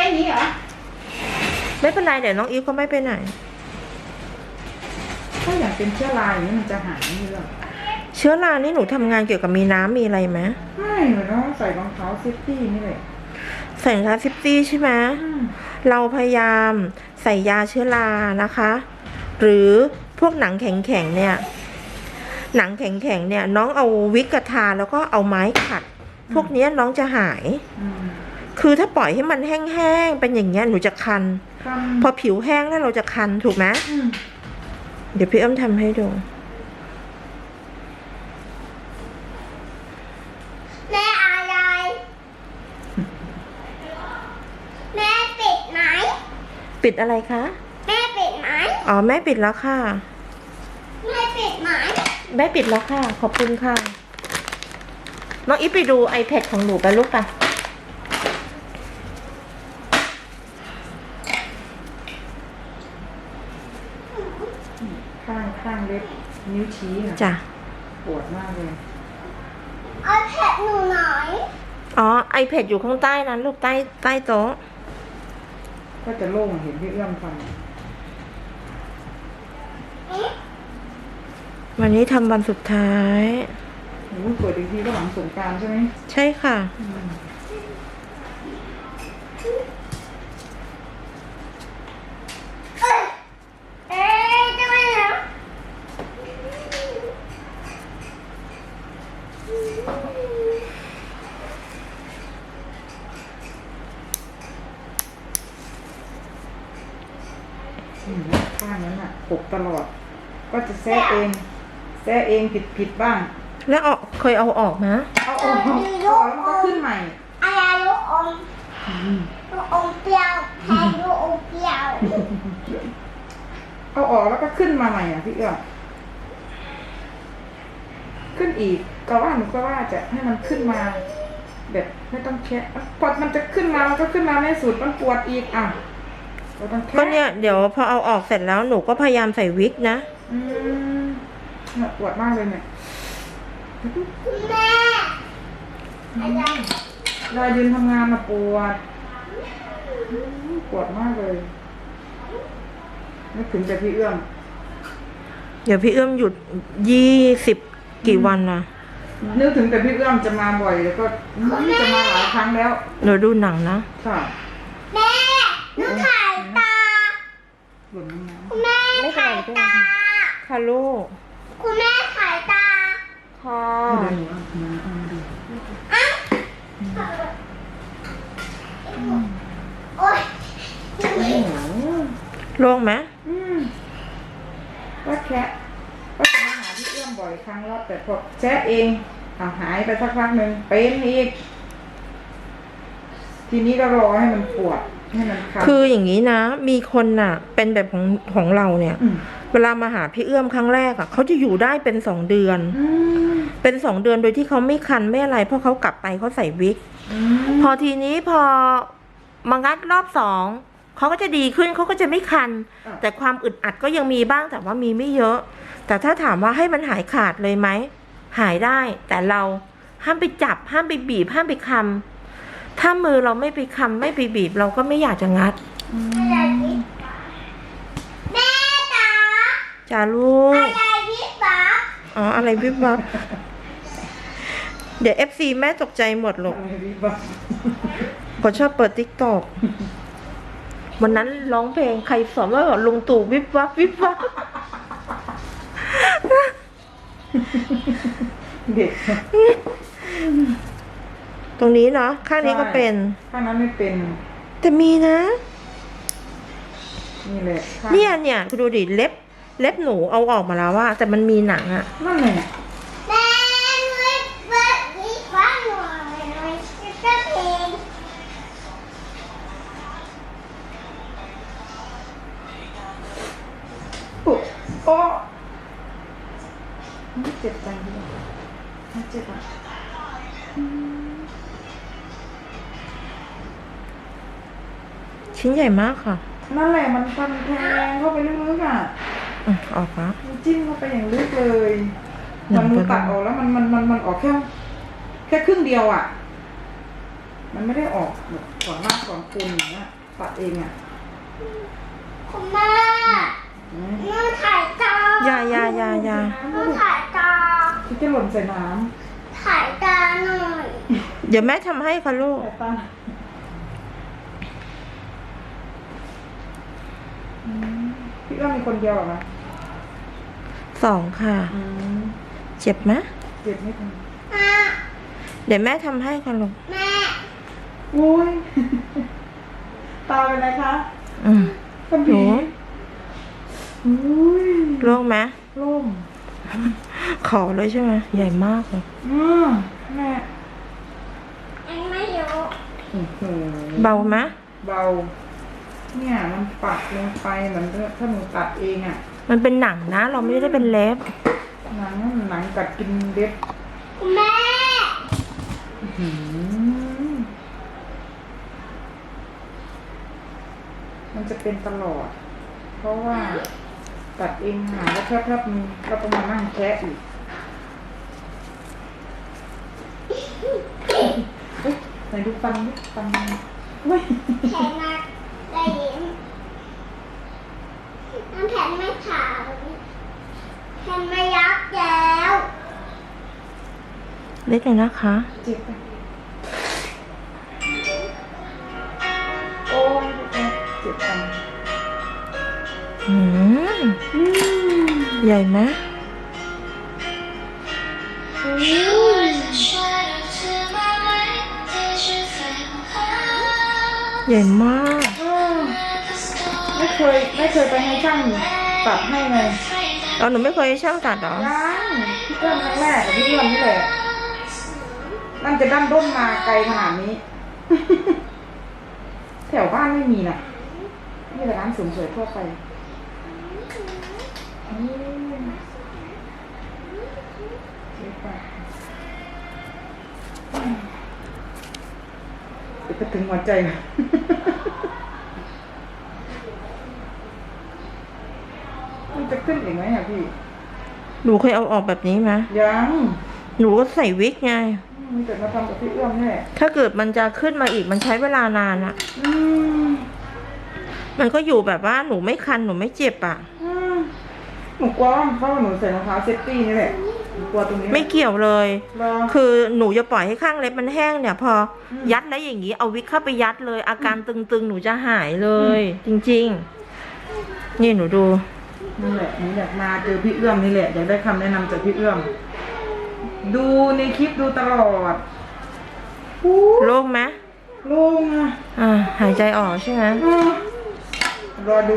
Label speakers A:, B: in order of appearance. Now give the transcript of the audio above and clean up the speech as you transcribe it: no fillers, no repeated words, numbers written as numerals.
A: นี้เหรอ
B: ไม่เป็นไรเดี๋ยวน้องอีฟก็ไม่ไปไหน
A: ถ้าอย่างเป็นเชื้อราอย่างนี้มันจะหายไม่หรอ
B: เชื้อรานี่หนูทำงานเกี่ยวกับมีน้ำมีอะไรไหม
A: ไม่หนูต้องใส่รองเท้าเซฟตี้นี่เลย
B: ใส่รองเท้าเซฟตี้ใช่ไหมเราพยายามใส่ยาเชื้อรานะคะ หรือพวกหนังแข็งๆเนี่ยหนังแข็งๆเนี่ยน้องเอาวิกกระทาแล้วก็เอาไม้ขัดพวกนี้น้องจะหายคือถ้าปล่อยให้มันแห้งๆเป็นอย่างเงี้ยหนูจะคันพอผิวแห้งแล้วเราจะคันถูกไหมเดี๋ยวพี่อ้อมทำให้ดู
C: แม่อะไรแม่ปิดไหม
B: ปิดอะไรคะ
C: แม่ปิดไหม
B: อ๋อแม่ปิดแล้วค่ะ
C: แม่ปิดไหม
B: แม่ปิดแล้วค่ะขอบคุณค่ะน้องอีฟไปดู iPad ของหนูไปลูกป่ะ
A: ข้างเล็บนิ้วชี้นะ
B: จ้ะ
A: ปวดมากเลย
C: เอาแผ่นหนูหน่อย
B: อ๋อ iPad อยู่ข้างใต้นั้นลูกใต้โต๊ะ
A: ก็จะโล่งเห็นพี่เอื้อมทำ
B: วันนี้ทำวันสุดท้าย
A: โอ้เปิดอีกทีก็หลังสงกรานต์ใช่ไหม
B: ใช่ค่ะ
C: จะไม่เหรอ
A: ข้างนั้นอ่ะปกตลอดก็จะแซะเองผิดบ้าง
B: แล้วเคยเอาออกนะ
A: เอาออกแล้วก็ขึ้นใหม่
C: อะไรลูกอมลูกอมเปรี้ยวแทนลูกอมเปรี้ยว
A: เอาออกแล้วก็ขึ้นมาใหม่อ่ะพี่เอื้อขึ้นอีกก็ว่าหนูก็ว่าจะให้มันขึ้นมาแบบไม่ต้องแค่พอมันจะขึ้นมามันก็ขึ้นมาไม่สุดมันปวดอีกอ่ะ
B: ก็เนี่ยเดี๋ยวพอเอาออกเสร็จแล้วหนูก็พยายามใส่วิกนะ
A: เนี่ยปวดมากเลยเนี่ย
C: แม่
A: รายยืนทำงานมาปวดมากเลยนึกถึงแต่พี่เอื้อม
B: เดี๋ยวพี่เอื้อมหยุด20กี่วันนะ
A: นึกถึงแต่พี่เอื้อมจะมาบ่อยแล้วก็จะมาหลายครั้งแล้ว
B: หนูดูหนังนะ
A: ค่ะ
C: แม่หนูถ่ายตา
A: คุณแม่
C: ถ่ายตา
B: ค่ะลูก
C: คุณแม่ถ่ายตา
B: ค่ะ
C: โอ๊ย
B: โล่งไหม
A: ก็แค่ก็จะมาหาพี่เอื้อมบ่อยครั้งแล้วแต่พอแซะเองหายไปสักพักหนึ่งเป็นอีกทีนี้ก็รอให้มันปวดให้มันคัน
B: คืออย่างนี้นะมีคนน่ะเป็นแบบของเราเนี่ยเวลามาหาพี่เอื้อมครั้งแรกอ่ะเขาจะอยู่ได้เป็น2 เดือนเป็น2 เดือนโดยที่เขาไม่คันไม่อะไรเพราะเขากลับไปเขาใส่วิกพอทีนี้พอมางัดรอบ2เขาก็จะดีขึ้นเขาก็จะไม่คันแต่ความอึดอัดก็ยังมีบ้างแต่ว่ามีไม่เยอะแต่ถ้าถามว่าให้มันหายขาดเลยไหมหายได้แต่เราห้ามไปจับห้ามไปบีบห้ามไปคำถ้ามือเราไม่ไปคำไม่ไปบีบเราก็ไม่อยากจะงัด
C: แม่จ๋า
B: จ้าลูก
C: อะไรวิบวับ
B: อ๋ออะไรวิบวับเดี๋ยว FC แม่ตกใจหมดหรอกเขาชอบเปิด TikTok วันนั้นร้องเพลงใครสอนว่าลุงตู่วิบวับวิบวับ
A: เด็ก
B: ตรงนี้เนาะข้างนี้ก็เป็น
A: ข้างนั้นไม่เป็น
B: แต่มีนะ
A: นี่แหละ
B: เนี่ยคุณดูดิเล็บหนูเอาออกมาแล้วว่าแต่มันมีหนังอะ
A: นั่นแหละ
C: แม่วิบวับวิบวับหน่อยจะเพลง
A: โอ้เจ็บใจเลยเจ็บอ่ะ
B: ชิ้นใหญ่มากค่ะ
A: นั่นแหละมันฟันแทงเข้าไปลึกๆอ่ะ
B: ออกนะ
A: จิ้มเข้าไปอย่างลึกเลยมันมือตัดออกแล้วมันออกแค่ครึ่งเดียวอ่ะมันไม่ได้ออกแบบก่อนมากก่อนคุณอย่างเงี้ยตัดเองอ่ะ
C: คุณแม่หนูถ่ายจอ
B: อย่า
C: หนูถ่ายจอ
A: ที่จะหล่นใส่น้
C: ถ่ายจอหน่อย
B: เดี๋ยวแม่ทำให้ค่ะลูก
A: ำแต่ตาพี่ก็มีคนเดียวเหรอคะ
B: 2 ค่ะ เจ็บไหม
A: เจ็บไม่ทัน
C: อ่ะ
B: เดี๋ยวแม่ทำให้ค่ะลูก
C: แม่
A: อุ้ย ตาเป็นไรคะ
B: อืม
A: กระบี่อุ้ย
B: โล่งไหม
A: ล่ม
B: ขอเลยใช่ไหมใหญ่มากเลย
A: แม่
C: อันไม่รู้
A: อื้อหือ
B: เบาไหม
A: เบา เนี่ยมันปักลงไปเหมือนถ้าหนูตัดเองอ่ะ
B: มันเป็นหนังนะ เราไม่ได้เป็นเล็บ
A: หนังกัดกินเล็บ
C: คุณแม่
A: อื้อหือมันจะเป็นตลอด เพราะว่าตัดเองหาแล้วแคบๆนึงก็ต้องมานั่งแคะอีกเฮ้ยไหนดูฟันดิฟันเว้ย
C: แขนมาได้ยินน้ำแขนไม่ขาวแขนไม่ยักแล้ว
B: เล็กเลยนะคะ
A: เจ็บไปโอ้ยเจ็บจัง
B: อืม ใหญ่ไหมใหญ่มาก
A: ไม่เคยไปให้ช่างตัดให้เลย
B: หนูไม่เคยให้ช่างตัดเหรอ
A: ยังพี่เอื้อมครั้งแรกกับพี่เอื้อมนี่แหละนั่นจะดั้นด้นมาไกลขนาดนี้ แถวบ้านไม่มีน่ะนี่แต่ร้านเสริมสวยทั่วไปเดี๋ยวไปถึงหัวใจ มันจะขึ้นอีกไหมอ่ะพี่
B: หนูเคยเอาออกแบบนี้ไหม
A: ยัง
B: หนูก็ใส่วิกไง
A: มีแต่มาทำกับพี่เอื้อมนี่แหละ
B: ถ้าเกิดมันจะขึ้นมาอีกมันใช้เวลานานอะ
A: อืม
B: มันก็อยู่แบบว่าหนูไม่คันหนูไม่เจ็บอะ
A: หนูกลัวว่าเพราะว่าหนูใส่รองเท้าเซฟตี้นี่แหละหนูกลัวตรงนี้
B: ไม่เกี่ยวเลย
A: รอ
B: คือหนูจะปล่อยให้ข้างเล็บมันแห้งเนี่ย พอยัดแล้วอย่างนี้เอาวิกเข้าไปยัดเลย อาการตึงๆหนูจะหายเลย จริงๆ นี่หนูดู
A: นั่นแหละหนูอยากมาเจอพี่เอื้อมนี่แหละอยากได้คำแนะนำจากพี่เอื้อม ดูในคลิปดูตลอด
B: โล่งไหม
A: โล่งอ่ะ
B: หายใจออกใช่ไหม
A: รอดู